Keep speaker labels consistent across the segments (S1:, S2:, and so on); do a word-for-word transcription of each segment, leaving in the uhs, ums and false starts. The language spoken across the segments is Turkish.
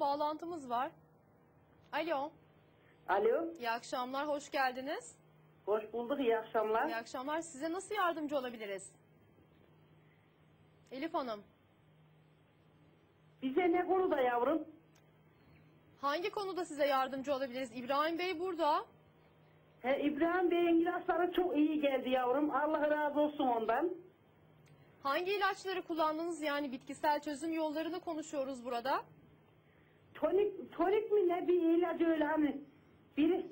S1: bağlantımız var. Alo.
S2: Alo.
S1: İyi akşamlar, hoş geldiniz.
S2: Hoş bulduk, iyi akşamlar.
S1: İyi akşamlar. Size nasıl yardımcı olabiliriz? Elif Hanım.
S2: Bize ne konuda yavrum?
S1: Hangi konuda size yardımcı olabiliriz? İbrahim Bey burada.
S2: He, İbrahim Bey'in ilaçları çok iyi geldi yavrum. Allah razı olsun ondan.
S1: Hangi ilaçları kullandınız? Yani bitkisel çözüm yollarını konuşuyoruz burada.
S2: Tonik, tonik mi ne bir ilacı öyle hani. Biri,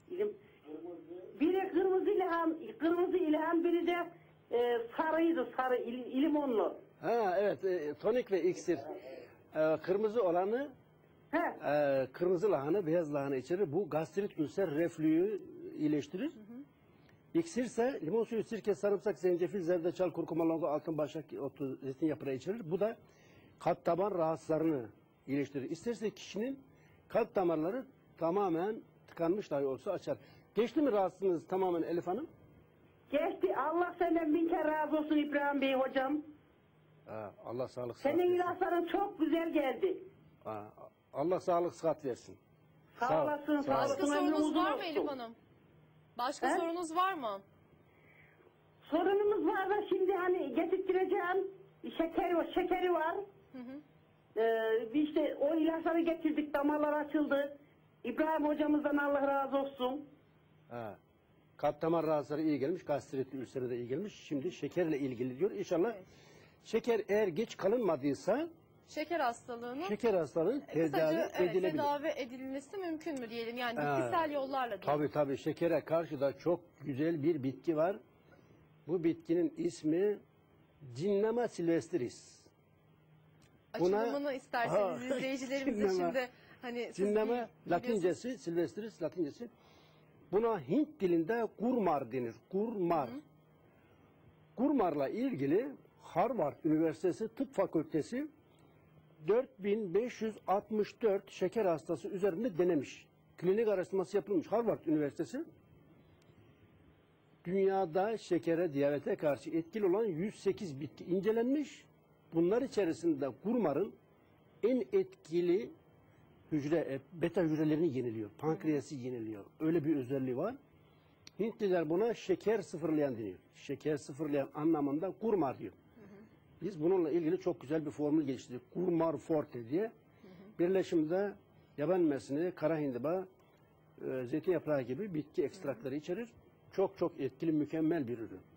S2: biri kırmızı ilham, kırmızı ilham, biri de e, sarıydı, sarı, il, limonlu.
S3: Ha evet, e, tonik ve iksir. E, kırmızı olanı,
S2: He.
S3: e, kırmızı lahana, beyaz lahana içerir. Bu gastrit, ülser, reflüyü iyileştirir. Hı hı. İksir ise limon suyu, sirke, sarımsak, zencefil, zerdeçal, kurkuma, longa, altın başak, otu, zeytin yaprağı içerir. Bu da kalp damar rahatsızlarını iyileştirir. İsterse kişinin kalp damarları tamamen tıkanmış dahi olsa açar. Geçti mi rahatsızlığınız tamamen Elif Hanım?
S2: Geçti. Allah senden bin kere razı olsun İbrahim Bey hocam.
S3: Ha, Allah sağlık sıhhat
S2: Senin
S3: versin.
S2: ilaçların çok güzel geldi.
S3: Ha, Allah sağlık sıhhat versin.
S2: Sağ,
S3: Sağ ol,
S2: olasın.
S3: sağ ol.
S1: Başka
S2: olasın, ömrün
S1: sorunuz
S2: uzun
S1: var mı
S2: olsun.
S1: Elif Hanım? Başka
S2: He?
S1: sorunuz var mı?
S2: Sorunumuz var da şimdi hani getirttireceğim. Şekeri var, şekeri var.
S1: Hı hı.
S2: Ee, işte o ilaçları getirdik, damarlar açıldı. İbrahim hocamızdan Allah razı olsun.
S3: Ha. Kalp damar rahatsızları iyi gelmiş, gastrit ülseri de iyi gelmiş. Şimdi şekerle ilgili diyor. İnşallah
S1: Evet.
S3: şeker eğer geç kalınmadıysa
S1: Şeker hastalığının
S3: şeker hastalığının tedavi
S1: kısaca, evet,
S3: edilebilir.
S1: tedavi edilmesi mümkün mü diyelim? Yani
S3: Ha.
S1: bitkisel yollarla diyelim.
S3: Tabii tabii, şekere karşı da çok güzel bir bitki var. Bu bitkinin ismi Cinnama silvestris. Buna-
S1: Açılımını isterseniz
S3: Ha,
S1: izleyicilerimize
S3: cinnama.
S1: şimdi hani siz
S3: Cinnama
S1: bil- biliyorsunuz.
S3: latincesi, silvestris latincesi. Buna Hint dilinde gurmar denir. Gurmar.
S1: Hı hı.
S3: Gurmarla ilgili Harvard Üniversitesi Tıp Fakültesi dört bin beş yüz altmış dört şeker hastası üzerinde denemiş. Klinik araştırması yapılmış. Harvard Üniversitesi dünyada şekere, diyabete karşı etkili olan yüz sekiz bitki incelenmiş. Bunlar içerisinde gurmarın en etkili hücre, e, beta hücrelerini yeniliyor. Pankreası yeniliyor. Öyle bir özelliği var. Hintliler buna şeker sıfırlayan deniyor. Şeker sıfırlayan anlamında gurmar diyor. Biz bununla ilgili çok güzel bir formül geliştirdik. Gurmar Forte diye. Hı hı. Birleşimde yaban mersini, kara hindiba, e, zeytin yaprağı gibi bitki ekstrakları içerir. Çok çok etkili, mükemmel bir ürün.